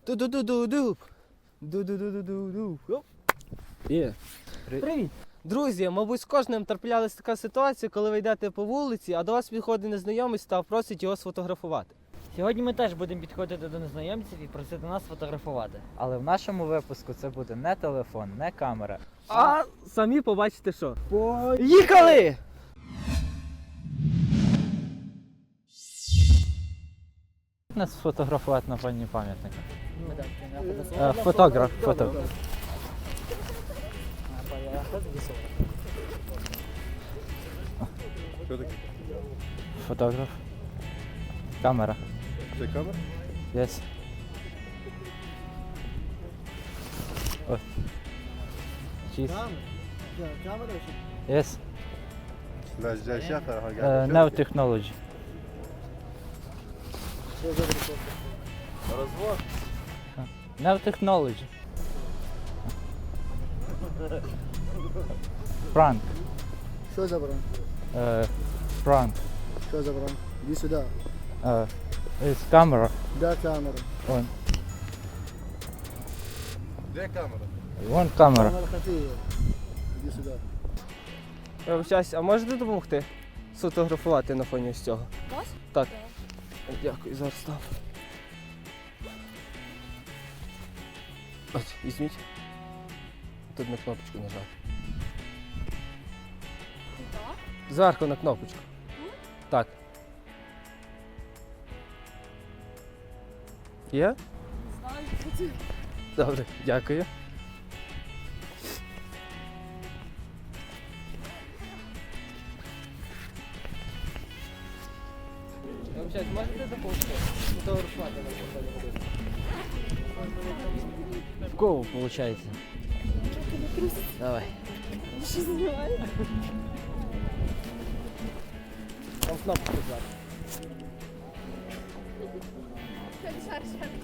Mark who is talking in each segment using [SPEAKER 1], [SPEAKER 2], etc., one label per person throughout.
[SPEAKER 1] Ду-ду-ду-ду-ду. Ду-ду-ду-ду-ду-ду. Оп. Є. Привіт. Друзі, мабуть, з кожним траплялася така ситуація, коли ви йдете по вулиці, а до вас підходить незнайомець та просить його сфотографувати.
[SPEAKER 2] Сьогодні ми теж будемо підходити до незнайомців і просити нас фотографувати.
[SPEAKER 3] Але в нашому випуску це буде не телефон, не камера.
[SPEAKER 1] А самі побачите що. Поїхали!
[SPEAKER 3] Нас сфотографувати на фоні пам'ятника. Фотограф. Фотограф. Камера.
[SPEAKER 4] Це камера?
[SPEAKER 3] Yes. Ось. Cheese. Yes.
[SPEAKER 4] لا شافها
[SPEAKER 3] No technology.
[SPEAKER 4] Розвод.
[SPEAKER 3] No technology. Prank.
[SPEAKER 5] Що за бран?
[SPEAKER 3] Prank.
[SPEAKER 5] Що за бран? Іди сюди.
[SPEAKER 3] Is camera
[SPEAKER 5] Де камера?
[SPEAKER 3] on.
[SPEAKER 4] Де камера?
[SPEAKER 3] One camera.
[SPEAKER 5] Камера хафіє. Іди сюди.
[SPEAKER 1] Вибачаюсь, а можете допомогти сфотографувати на фоні ось цього?
[SPEAKER 6] Вас?
[SPEAKER 1] Так. Дякую, зараз став. Ось, візьміть. Тут на кнопочку нажати.
[SPEAKER 6] Так.
[SPEAKER 1] Зверху на кнопочку. Так. Є?
[SPEAKER 6] Не знаю, що це.
[SPEAKER 1] Добре, дякую. Можете допомогти? Фотографувати на фоні.
[SPEAKER 2] В кого виходить? Давай.
[SPEAKER 6] Що знімаєте?
[SPEAKER 1] Там кнопку зверху.
[SPEAKER 6] Шар.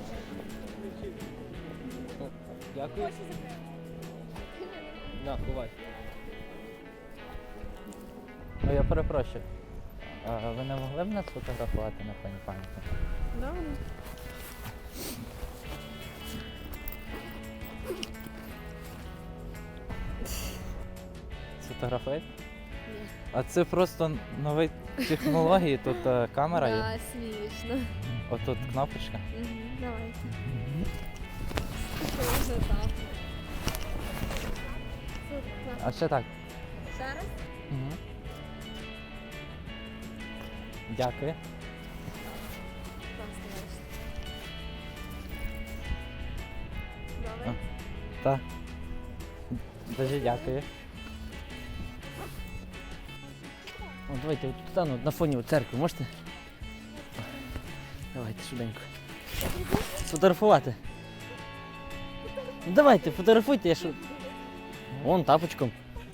[SPEAKER 1] Дякую. На, ховай.
[SPEAKER 3] Я перепрошую. Ви не могли б нас фотографувати на фоні пам'ятника?
[SPEAKER 6] Да.
[SPEAKER 3] Сфотографуєте?
[SPEAKER 6] Ні.
[SPEAKER 3] А це просто нові технології, тут камера є,
[SPEAKER 6] Да, смішно.
[SPEAKER 3] отут кнопочка.
[SPEAKER 6] Давайте. Що вже так?
[SPEAKER 3] А ще так.
[SPEAKER 6] Ще раз?
[SPEAKER 3] Угу. Дякую.
[SPEAKER 6] Так, знаєш.
[SPEAKER 3] А.
[SPEAKER 6] Добре.
[SPEAKER 3] Так. Дуже дякую.
[SPEAKER 2] О, давайте от стану на фоні церкви, можете? Давайте швиденько. Сфотографувати. Ну, давайте, фотографуйте, я що. Вон тапочком.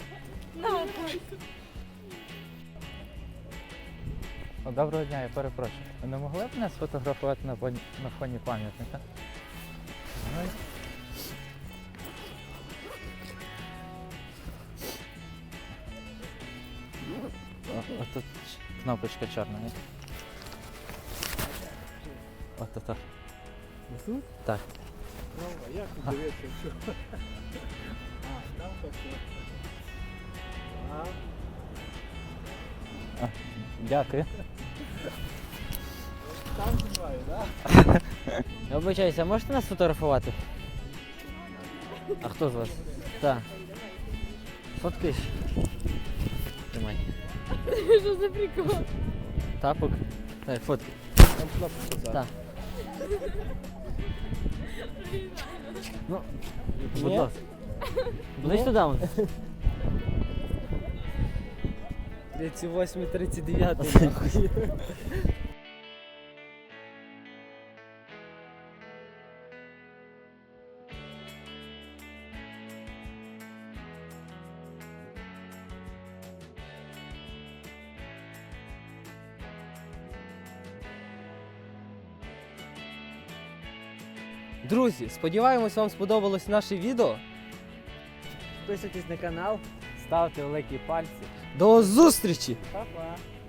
[SPEAKER 3] Доброго дня, я перепрошую. Ви не могли б нас фотографувати на фоні пам'ятника? Ну, Отут кнопочка чорна є. От.
[SPEAKER 1] Тут?
[SPEAKER 3] Так.
[SPEAKER 5] Як тут дивитися? Що? Там таке.
[SPEAKER 3] Дякую.
[SPEAKER 5] Там знімаю, так?
[SPEAKER 2] Я вибачаюся, а можете нас фотографувати? А хто з вас? Так. Фоткаєш? Тримай.
[SPEAKER 6] Що за прикол?
[SPEAKER 2] Тапок. Так, фоткай.
[SPEAKER 1] Там кнопочку зверху.
[SPEAKER 2] Так. Ну, будь
[SPEAKER 1] Ні?
[SPEAKER 2] ласка. Ближче туди. вон.
[SPEAKER 1] 38, 39, нахуй. Друзі, сподіваємось, вам сподобалось наше відео.
[SPEAKER 2] Підписуйтесь на канал.
[SPEAKER 3] Ставте великі пальці.
[SPEAKER 1] До зустрічі!
[SPEAKER 3] Па-па.